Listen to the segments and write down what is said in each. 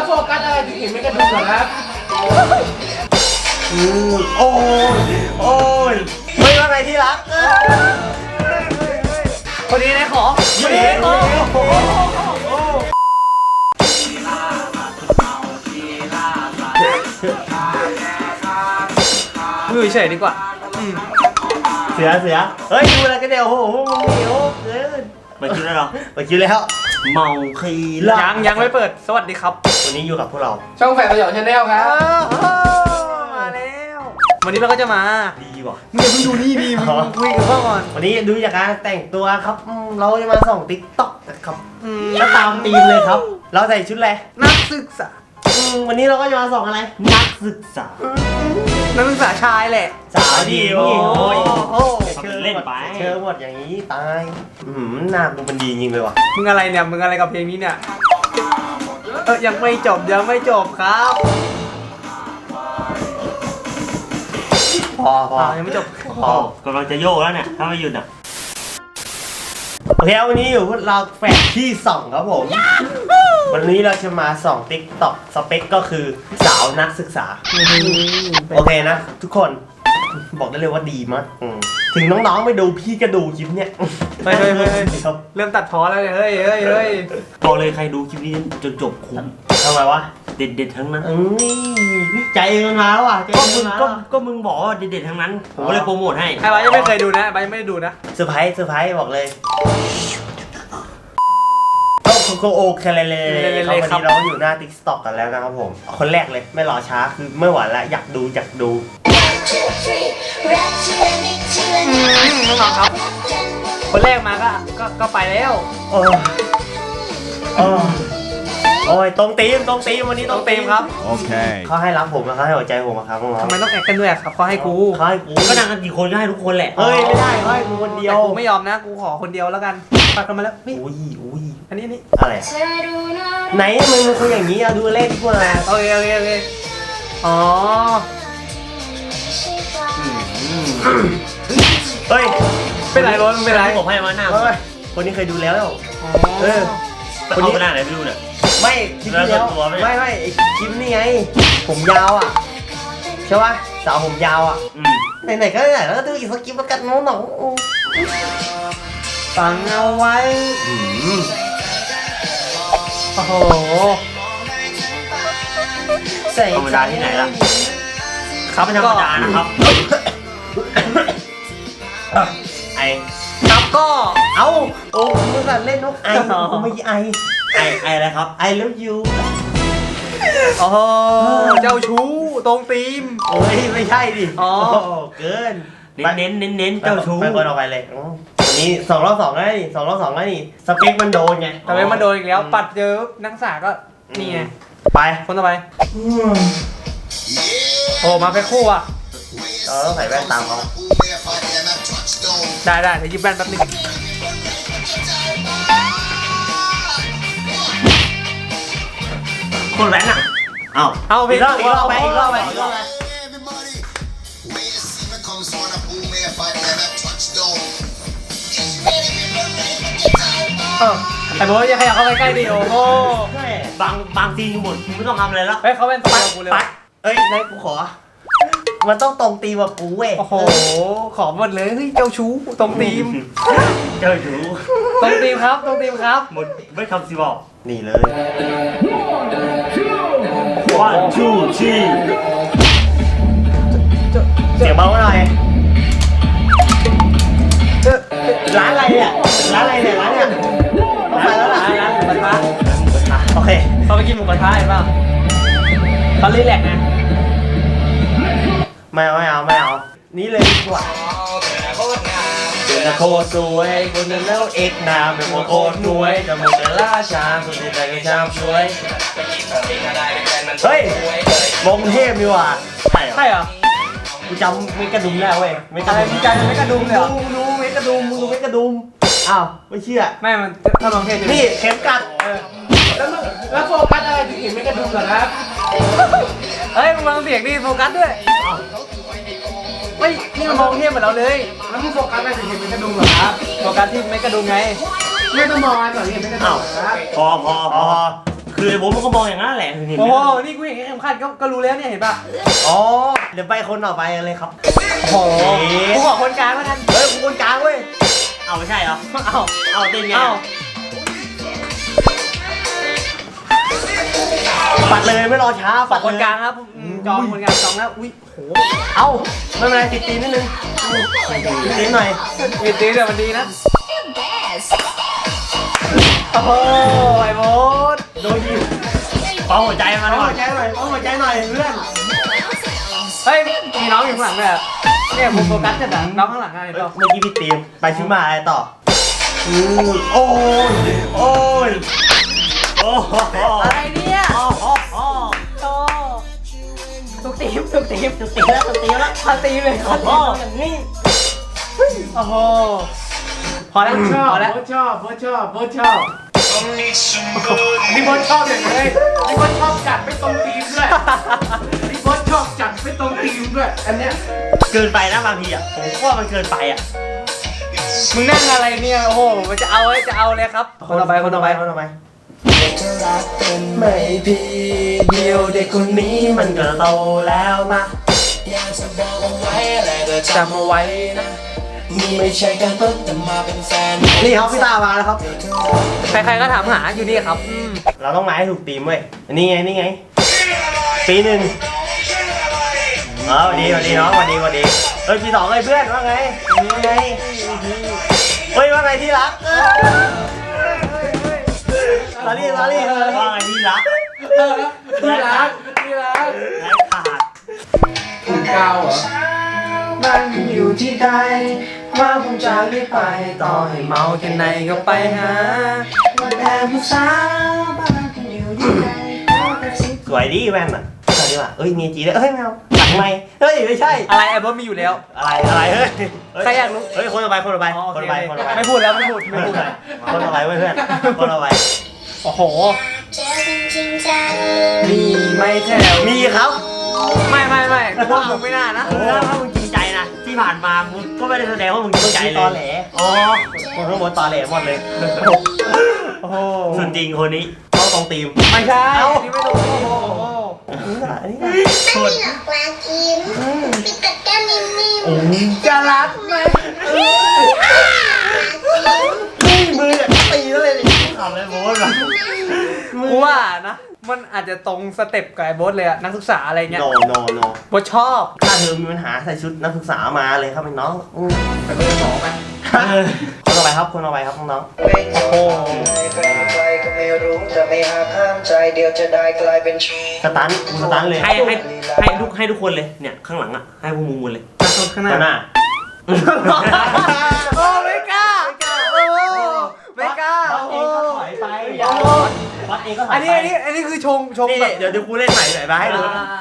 โฟกัสอะไรถึงเห็นไม่กระดูกเหรอครับโอ้ยไม่ว่าไงที่รักคนนี้นะขอคนนี้ขอมือเฉยดีกว่าเสือเฮ้ยดูอะไรกันเดี๋ยวโอ้โหมึงเหนียวเกินเปิดคิวแล้วเหรอเปิดคิวแล้วเมาคียังไม่เปิดสวัสดีครับวันนี้อยู่กับพวกเราช่องแฝดประโยชน์ชาแนลครับมาแล้ววันนี้เราก็จะมาดีว่ะมึงอย่าเพิ่งดูนี่ดีมึงคุยกับพ่อก่อนวันนี้ดูจากการแต่งตัวครับเราจะมาส่องติ๊กต็อกนะครับแล้วตามธีมเลยครับเราใส่ชุดอะไรนักศึกษาวันนี้เราก็จะมาส่องอะไรนักศึกษาชายแหละสาวดีโอ้เชิญเล่นไปเชิญหมดอย่างนี้ตายหน้ามึงมันดีจริงเลยว่ะมึงอะไรเนี่ยมึงอะไรกับเพลงนี้เนี่ยยังไม่จบครับพอยังไม่จบกำลังจะโยกแล้วเนี่ยถ้าไม่หยุดอ่ะโอเควันนี้อยู่พวกเราแฝดที่2ครับผมวันนี้เราจะมาส่องติ๊กต็อกสเปคก็คือสาวนักศึกษาโอเคนะทุกคนบอกได้เลยว่าดีมากถึงน้องๆไม่ดูพี่ก็ดูคลิปเนี้ยเฮ้ยเริ่มตัดพ้อแล้วเฮ้ยบอกเลยใครดูคลิปนี้จนจบคุ้มทำไมวะเด็ดทั้งนั้นใจมันมาแล้วอ่ะก็มึงบอกว่าเด็ดทั้งนั้นผมก็เลยโปรโมทให้ใครยังไม่เคยดูนะใบยังไม่ได้ดูนะเซอร์ไพรส์บอกเลยก็โอเคเลยครับวันนี้เราอยู่หน้า TikTok กันแล้วนะครับผมคนแรกเลยไม่รอช้าคือไม่ไหวแล้วอยากดูน้องครับคนแรกมาก็ไปแล้วโอ้ยตรงตีมวันนี้ตรงตีมครับโอเคเขาให้รับผมนะเขาให้หัวใจผมครับทำไมต้องแอคกันด้วยครับเขาให้กูก็นั่งกันกี่คนก็ให้ทุกคนแหละเฮ้ยไม่ได้เขาให้กูคนเดียวกูไม่ยอมนะกูขอคนเดียวแล้วกันปัดกันมาแล้วอุ้ยอันนี้อะไรไหนมึงคนอย่างนี้เอาดูเลขดีกว่าโอเคอ๋อเฮ้ยเป็นไรร้อนเป็นไรผมให้มาหน้าคนนี้เคยดูแล้วคนนี้หน้าไหนไม่ดูเนี่ยไม่คลิปที่แล้วไม่คลิปนี่ไงผมยาวอ่ะใช่ป่ะสาวผมยาวอ่ะไหนก็ไหนแล้วก็ดูอีกสักคลิปแล้วกันน้องฟังเอาไว้โอ้โหธรรมดาที่ไหนล่ะครับธรรมดานะครับไอครับก็เอาโอ้มึงสั่นเล่นนกไอผมไม่ไออะไรครับไอเลิฟยูโอ้เจ้าชู้ตรงตีมโอ้ยไม่ใช่ดิเกินเน้นเจ้าชู้ไปคนออกไปเลยวันนี้2-2แล้วนี่2-2แล้วนี่สเปคมันโดนไงสเปคมันโดนอีกแล้วปัดเจอนักศึกษาก็นี่ไงไปคนต่อไปโอ้มาเป็นคู่อ่ะต้องใส่แว่นตามเขาได้เดี๋ยวหยิบแว่นแป๊บนึงคนแว่นอ่ะเอาอีกรอบไปไอ้โบ๊ทอย่าขยับเข้าไปใกล้ดิโอ้โหบางทีหมดไม่ต้องทำอะไรแล้วเขาเป็นสไตล์ของกูเลยนายกูขอมันต้องตรงตีแบบกูเว้ยโอ้โหขอหมดเลยเจ้าชู้ตรงตีมเจ้าชู้ตรงตีมครับหมดไม่คำสิบอกนี่เลย1 2 3เสียงเบาหน่อยร้านอะไรเนี่ยร้านเนี่ยต้องไปแล้วล่ะร้านหมูกระทะโอเคเขาไปกินหมูกระทะเห็นป่ะเขารีแลกซ์ไงไม่เอานี่เลยดีกว่าโคตรสวยคนนั้นแล้วเอกนามเป็นโคตรรวยจะหมดจะล่าช้าสุดใจก็ชามสวยเฮ้ยมงเทพดีว่ะใช่เหรอกูจำเมกะดุมแล้วเว้ยเมกะดุมเลยเหรอดูเมกะดุมอ้าวไม่เชื่อไม่มันถ้ามงเทพนี่เข็มกัดแล้วโฟกัสอะไรถึงเห็นไม่กระดูกเหรอครับเฮ้ยมึงฟังเสียงดิโฟกัสด้วยไม่นี่มันมองเทียบเหมือนเราเลยแล้วมึงโฟกัสอะไรถึงเห็นไม่กระดูกเหรอครับโฟกัสที่ไม่กระดุมไงไม่ต้องมองอะไรก่อนเห็นไม่กระดูกครับพอคคือไอ้โบ๊ทมันก็มองอย่างนั้นแหละเห็นไหมโอ้โหนี่กูเห็นแค่เข็มขัดก็รู้แล้วเนี่ยเห็นป่ะอ๋อเดี๋ยวไปคนต่อไปเลยครับโอ้โหกูขอคนกลางแล้วกันเฮ้ยกูคนกลางเว้ยเอาไม่ใช่เหรอเอาเต้นไงเอาปัดเลยไม่รอช้าฝาปักดคนกลางครับจองคนกลางจองแล้วอุ้ยโหเอาไม่เป็นไรติดตีนนิดนึงติดตีนหน่อยมีตีแต่มันดีนะโอ้โหไอ้โบ๊ทโดนยิงเป่าหัวใจมาหน่อยเป่าหัวใจหน่อยเพื่อนเฮ้ยมีน้องอยู่ข้างหลังด้วยเนี่ยผมโฟกัสจัดอะน้องข้างหลังไงเมื่เนาะอกี้พี่ตีมไปชิมาอะไรต่อโอ้ยโอ้ยโอ้โหอะไรเนี่ยโอ้โหโอ้ตุกตีมตุกตีมตีแล้วตีแล้วพาตีมเลยโอ้โหอย่างนี้โอ้โหพอแล้วชอบพอแล้วโบชอบโบชอบโบชอบพี่โบชอบอย่างไรพี่โบชอบจัดไม่ตรงทีมด้วยพี่โบชอบจัดไม่ตรงทีมด้วยอันเนี้ยเกินไปนะบางทีอ่ะผมว่ามันเกินไปอ่ะมึงนั่งอะไรเนี่ยโอ้โหมันจะเอาเลยครับ คนต่อไปไม่พี่เดียวเด็กคนนี้มันก็โตแล้วนะจำเอาไว้นะไม่ใช่การต้นแต่มาเป็นแฟนนี่ครับพี่ตามาแล้วครับใครๆก็ถามหาอยู่นี่ครับเราต้องมาให้ถูกทีมเว้ยนี่ไงปีหนึ่งสวัสดีน้องสวัสดีเฮ้ยปีสองเลยเพื่อนว่าไงเฮ้ยว่าไงที่รักลาลี่ว่าไงที่รักที่รักไร้ขาดคุณกาวเหรอมันอยู่ที่ใดว่าผมจะไม่ไปต่อให้เมาแค่ไหนก็ไปหาว่าแต่ผู้สาวบ้านคุณอยู่ที่ใดสวยดีแว่นอ่ะสวยดีว่ะเอ้ยมีจีด้วยเฮ้ยแมวหลังไม่เฮ้ยไม่ใช่อะไรไอ้บอสมีอยู่แล้วอะไรเฮ้ยใครอยากรู้เฮ้ยคนต่อไปอ๋อโอเคไม่ไม่พูดแล้วไม่พูดคนต่อไปเว้ยเพื่อนคนต่อไปโอ้โหมีไหม่แถวมีครับไม่กูว่ามึงไม่น่านะถ้ามึงจริงใจนะที่ผ่านมามึงก็ไม่ได้แสดงว่ามึงจริงใจเลยตอแหลอ๋อคนทั้งหมดตอแหลหมดเลยโอ้โหส่วนจริงคนนี้ต้องตรงตีมไม่ใช่เอ้านี่ไม่ตรงโอ้โหอันนี้ไม่มีหลอกลากินมีแต่แก้มนิ่มๆจะรักไหมนี่มือเนี่ยตีแล้วเลยนี่ทำเลยโบ๊ทแบบกูว่านะ มันอาจจะตรงสเต็ปกับไอ้โบสเลยอะนักศึกษาอะไรเงี้ยโนโบสชอบถ้าเธอมีปัญหาใส่ชุดนักศึกษามาเลยครับน้องไปเบอร์สองไปคนต่อไปครับน้องโอ้โหใครก็ไม่รู้จะไม่หาข้ามใจเดียวจะได้กลายเป็นชู้สตันเลยให้ทุกคนเลยเนี่ยข้างหลังอ่ะให้พวกมึงหมดเลยนักโทษข้างหน้าหน้าโอ้ไม่กล้าโอ้ไม่กล้าวัดเองก็ถอยไปวัดเองก็ถอยอันไปนี้คือชงนี่แบบเดี๋ยวกูเล่นใหม่หน่อยมาให้ดู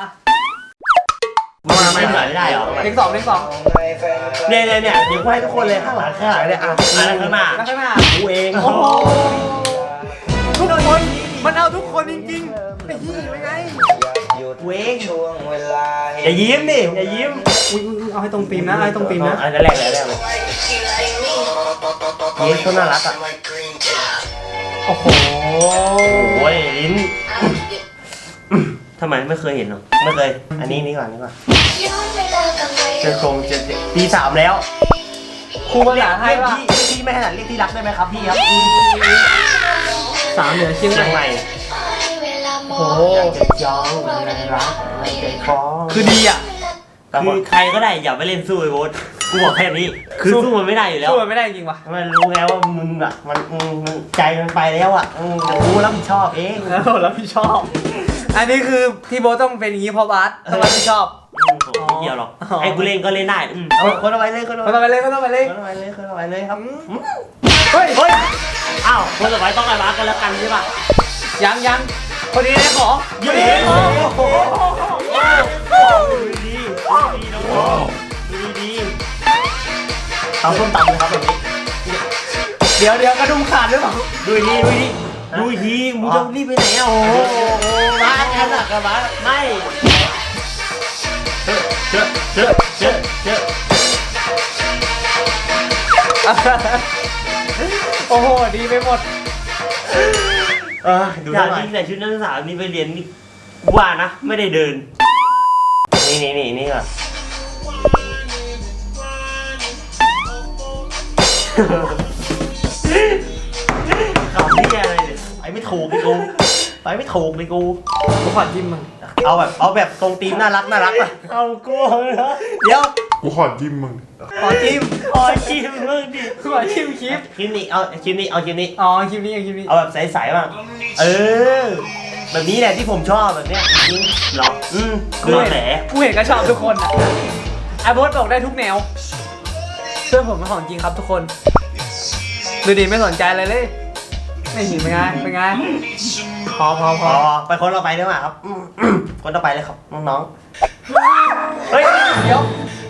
มาไม่ได้เหรอเลขสองเนี่ยเดี๋ยวกูให้ทุกคนเลยข้างหลังเนี่ยอ่ะข้างหน้าแล้วข้างหน้ากูเองโอ้โหทุกคนมันเอาทุกคนจริงๆไอ้ยี่เป็นไงกูเองช่วงเวลาอย่ายิ้มดิอย่ายิ้มอุ้ยเอาให้ตรงตีมนะเอาให้ตรงตีมนะอันแรกเลยยิ้มเขาน่ารักอ่ะโอ้โหโอ้ยลิ้นทำไมไม่เคยเห็นหรอไม่เคยอันนี้ก่อนเจอโครงเจอปี3แล้วครูภาษาไทยว่าพี่ไม่ถนัดเรียกที่รักได้ไหมครับพี่ครับสามเหนือเชียงเชียงใหใหม่ม่โอ้โหจะจองอะไรรักอะไรใจคล้องคือดีอ่ะคือใครก็ได้อย่าไปเล่นสู้ไอ้โบ๊ทกูบอกแค่นี้คือสู้มันไม่ได้อยู่แล้วสู้มันไม่ได้จริงว่ะมันรู้ไงว่ามึงอ่ะมันใจมันไปแล้วอ่ะแต่กูรับผิดชอบเองแล้วพี่ชอบ อันนี้คือที่โบต้องเป็นอย่างนี้เพราะบาสต้องรับผิดชอบไม่เกี่ยวหรอกให้กูเล่นก็เล่นได้คนเอาไปเลยคนเอาคนต่อไปเลยคนเอาไปเลยครับเฮ้ยอ้าวคนต่อไปต้องไปบ้ากันแล้วกันใช่ป่ะยังคนนี้ได้ของเย้ดีเอาส้มตำเลยครับแบบนี้เดี๋ยวกระดุมขาดหรือเปล่าดูทีมึงจะรีบไปไหนอ่ะโอ้บ้ากันอ่ะกับบ้าไม่เจอโอ้โหดีไปหมดดูหน่อยใส่ชุดนักศึกษานี่ไปเรียนนี่ว่านะไม่ได้เดินนี่ก่อนขำนี่อะไรเนี่ยไปไม่ถูกเลยกูไปไม่ถูกเลยกูกูขอจิ้มมึงเอาแบบตรงตีมน่ารักป่ะเอากูเหรอเดี๋ยวกูขอจิ้มมึงขอจิ้มมึงดิกูขอจิ้มคลิปคลิปนี้เอาคลิปนี้อ๋อคลิปนี้เอาคลิปนี้เอาแบบใสๆบ้างแบบนี้แหละที่ผมชอบแบบเนี้ยจริงหรอดูแหละกูเห็นก็ชอบทุกคนอ่ะไอ้โบ๊ทบอกได้ทุกแนวเพื่อนผมเป็นของจริงครับทุกคนดูดิไม่สนใจอะไรเลยไม่เห็นเป็นไงพอไปคนต่อไปได้ไหมครับคนต่อไปเลยครับน้องๆเฮ้ยเดี๋ยว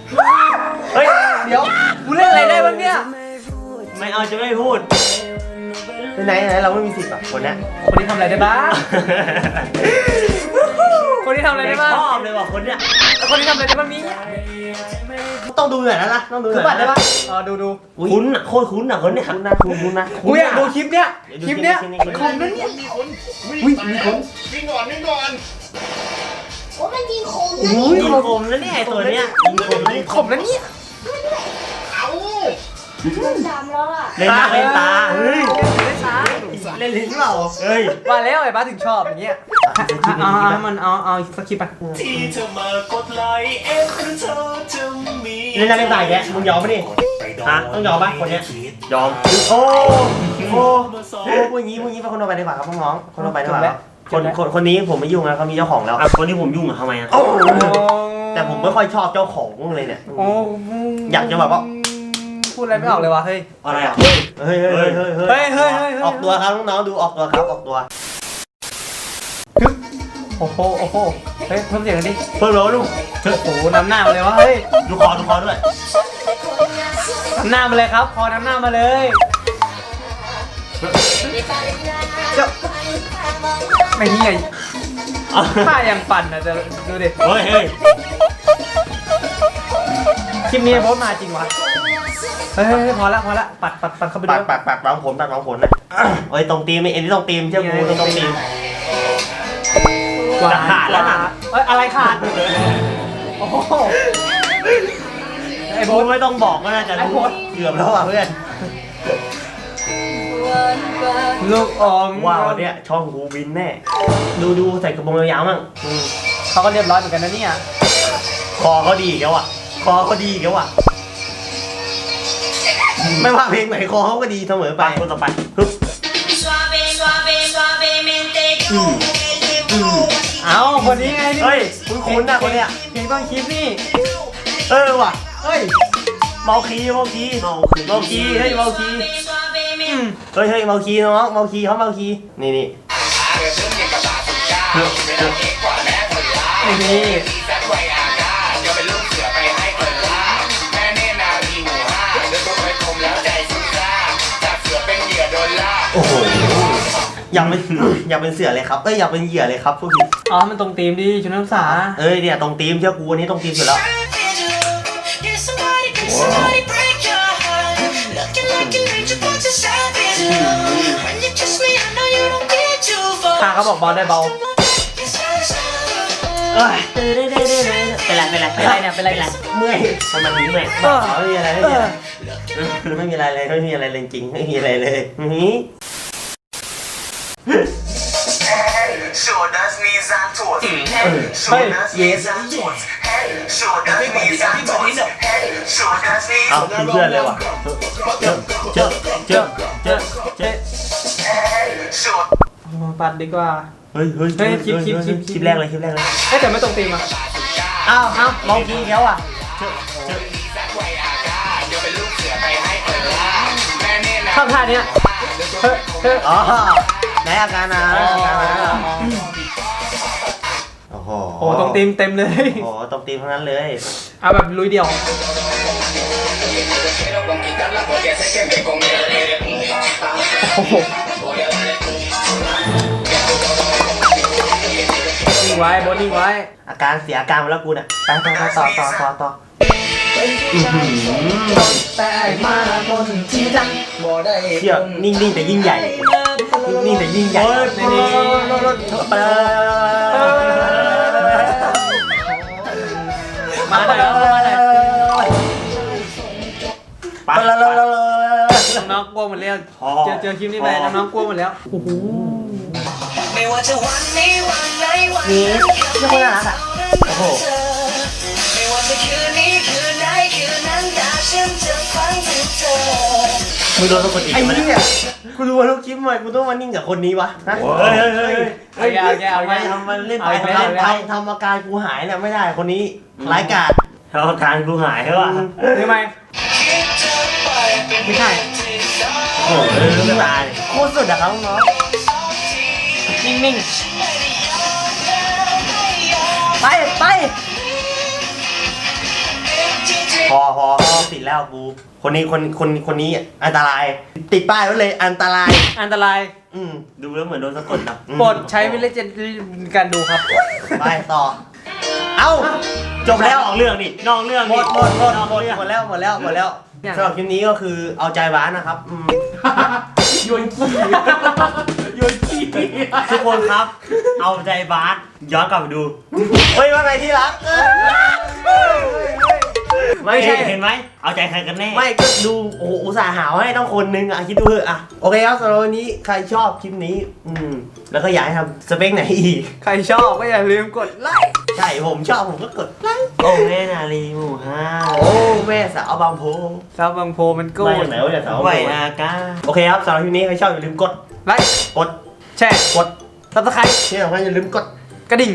กูเล่นอะไรได้บ้างเนี่ยไม่เอาจะไม่พูดไหนเราไม่มีสิทธิ์อ่ะคนเนี้ยคนที่ทำอะไรได้บ้างคนที่ทำอะไรได้บ้างชอบเลยว่ะคนเนี้ยคนที่ทำอะไรได้บ้างนี้ต้องดูหน่อยนะต้องดูหคือน่อยบัตรได้ป่ะอ๋อดูคุ้นอ่ะโคตรคุ้นอ่ะคนเนี้ยคุ้นนะกูอยากดูคลิปเนี้ยคอมนั้นเนี่ยวิ่งก่อนโอ้มันยิงคมยิงคมแล้วเนี่ยตัวเนี้ยยิงคมเลยขมนั้นเนี่ยสามแล้วอ่ะเล่นหน้าเล่นตาเฮ้ยเล่นช้าเล่นลิ้นเปล่าเฮ้ยว่าแล้วไอ้บ้าถึงชอบอย่างเงี้ยมันเอาสคริปต์ไปเล่นหน้าเล่นตาแกมึงยอมปะนี่ฮะต้องยอมปะคนเนี้ยยอมโอ้พูดงี้ไปคนต่อไปดีกว่าครับน้องคนต่อไปดีกว่าคนนี้ผมไม่ยุ่งนะเขามีเจ้าของแล้วคนที่ผมยุ่งอะทำไมอะแต่ผมไม่ค่อยชอบเจ้าของเลยเนี่ยอยากจะแบบว่าพูดอะไรไม่ออกเลยวะเฮ้ยอะไรอ่ะเฮ้ยออกตัวครับน้องๆดูออกตัวครับออกตัวโอ้โหเฮ้ยเพิ่มเสียงกันดิเพิ่มแล้วลูกโอ้โหน้ำหน้ามาเลยวะเฮ้ยดูคอด้วยน้ำหน้ามาเลยครับพอน้ำหน้ามาเลยไม่เหี้ยท่ายังปั่นนะจะดูดิเฮ้ยคลิปนี้โบ๊ทมาจริงวะเฮ้ยพอละปัดเข้าไปดูปัดวางผลนะเฮ้ยตรงตีมเอ็นที่ตรงตีมเชื่อกูตรงตีม จะขาดแล้วนะเอ้ยอะไรขาดโอ้โหไอ้โบ๊กูทไม่ต้องบอกก็น่าจะรู้เกือบแล้วอ่ะเพื่อนลูกอมว่าวันเนี้ยช่องกูบินแน่ดูใส่กระโปรงยาวๆมั่งเขาก็เรียบร้อยเหมือนกันนะเนี่ยคอเขาดีอีกแล้วอ่ะไม่ว่าเพลงไหนคอเขาก็ดีเสมอไปคนต่อไปฮึบเอาคนนี้ไงนี่เฮ้ยคุ้นๆนะคนเนี้ยเพลงต้นคลิปนี่ว่ะเฮ้ยเมาคีเฮ้ยเมาคีเฮ้ยเมาคีน้องเมาคีเขาเมาคีนี่นี่โอ้โหอยากเป็นเสือเลยครับอยากเป็นเหยื่อเลยครับพวกพี่อ๋อมันตรงธีมดิชุดนักศึกษาเนี่ยตรงตีมเชื่อกูอันนี้ตรงตีมสุดแล้วพาเขาบอกเบาได้เบาเป็นไรเนี่ยเมื่อยมันเมื่อยไม่มีอะไรเลยจริงไม่มีอะไรเลย Show das knees and toes. Show das knees and toes. Show das knees and toes. Show das knees. เอาคือเพื่อนเลยว่ะเจอ Show. ปัดดีกว่าเฮ้ยคลิปแรกเลยเอ้แต่ไม่ตรงธีมอ่ะอ้าวมองทีเขาอ่ะชอบท่าเนี้ยอ๋อไหนอาการนะโอ้โหโอ้ตรงธีมเต็มเลยโอ้ตรงตีมทั้งนั้นเลยเอาแบบลุยเดี่ยวโอ้โหนิ่งไว้บอสนิ่งไว้อาการเสียอาการมาแล้วกูเนี่ยไปต่อแต่มาคนที่จังเชี่ยนิ่งๆแต่ยิ่งใหญ่นี่แต่ยิ่งใหญ่มาหน่อยครับมาหน่อยไปแล้วน้องๆกลัวหมดแล้วเจอคลิปนี้ไปน้องๆกลัวหมดแล้วโอ้โหไม่ว่าจะวันนี้วันไหนวันนี่นั้นนี่คนน่ารักอ่ะโอ้โหไม่ว่าจะคืนนี้คืนไหนคืนนั้นแต่ฉันจะฟังถึงเธอมึงโดนคนอีกไอ้เนี่ยกูดูว่าทุกคลิปใหม่กูต้องมานิ่งกับคนนี้วะเฮ้ยทำมันเล่นไปทำอาการกูหายเนี่ยไม่ได้คนนี้ร้ายกาจทำอาการกูหายใช่ป่ะทำไมไม่ใช่โอ้โหตายโคตรสุดอะครับน้องนิ่งๆไปพอติดแล้วกูคนนี้อันตรายติดป้ายไว้เลยอันตรายอันตรายดูแล้วเหมือนโดนสะกดนะโปรดใช้วิจารณญาณในการดูครับไปต่อเอ้าจบแล้วนอกเรื่องหมดแล้วสำหรับคลิปนี้ก็คือเอาใจบ้านนะครับโยนขี้โยนขี้ทุกคนครับ เอาใจบาสย้อนกลับไปดูเฮ้ยว่าไงที่รักไม่ใช่เห็นไหมเอาใจใครกันแน่ไม่ก็ดูโอ้โหอุตส่าห์หาวให้ต้องคนนึงอ่ะคิดดูเถอะอ่ะโอเคครับสำหรับวันนี้ใครชอบคลิปนี้แล้วก็อยากให้ทำสเปคไหนอีกใครชอบก็อย่าลืมกดไลค์ใช่ผมชอบผมก็กดไลค์โอ้แม่นาลีหมู่ห้าโอ้แม่สาวบางโพซาวบางโพมันกู้มาจากไหนวะเนี่ยสาวไหวอากาโอเคครับสำหรับคลิปนี้ใครชอบอย่าลืมกดไลค์กดแชร์กดซับสไครต์ที่สำคัญอย่าลืมกดกระดิ่ง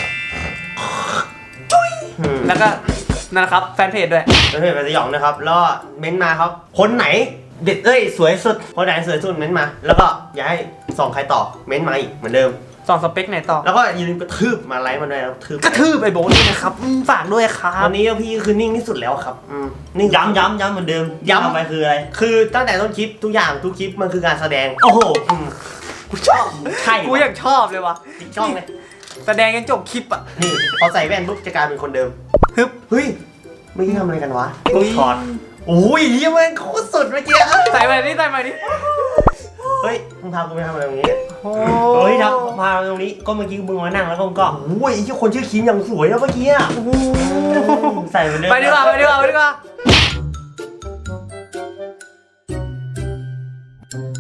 แล้วก็นั่นนะครับแฟนเพจด้วยแล้วเพจไปสยองนะครับแล้วก็เม้นต์มาครับคนไหนเด็ดสวยสุดคนไหนสวยสุดเม้นต์มา แล้วก็อยากให้ส่องใครต่อเม้นต์มาอีกเหมือนเดิมส่องสเปคไหนต่อแล้วก็อย่าลืมกระทืบมาไลค์มาด้วยนะกระทืบกระทืบไอ้โบทด้วยนะครับฝากด้วยครับตอนนี้พี่คือนิ่งที่สุดแล้วครับนิ่งย้ำเหมือนเดิมย้ำไปคืออะไรคือตั้งแต่ต้นคลิปทุกอย่างทุกคลิปมันคือการแสดงโอ้โหกูชอบใช่กูอยากชอบเลยวะติดช่องเลยแสดงกันจบคลิปอ่ะนี่พอใส่แว่นปุ๊บจะกลายเป็นคนเดิมฮึบเฮ้ยไม่ได้ทำอะไรกันวะถอดโอ้ยเฮ้ยมันโคตรสุดเมื่อกี้ใส่ใหม่ดิใส่ใหม่ดิเฮ้ยมึงพากูไปทำอะไรตรงนี้โอ้เฮ้ยทำพาตรงนี้ก็เมื่อกี้มึงมานั่งแล้วก็มึงก็โอ้ยไอ้ที่คนชื่อคิมอย่างสวยแล้วเมื่อกี้อ่ะใส่ไปเลยไปดีกว่าไปดีกว่า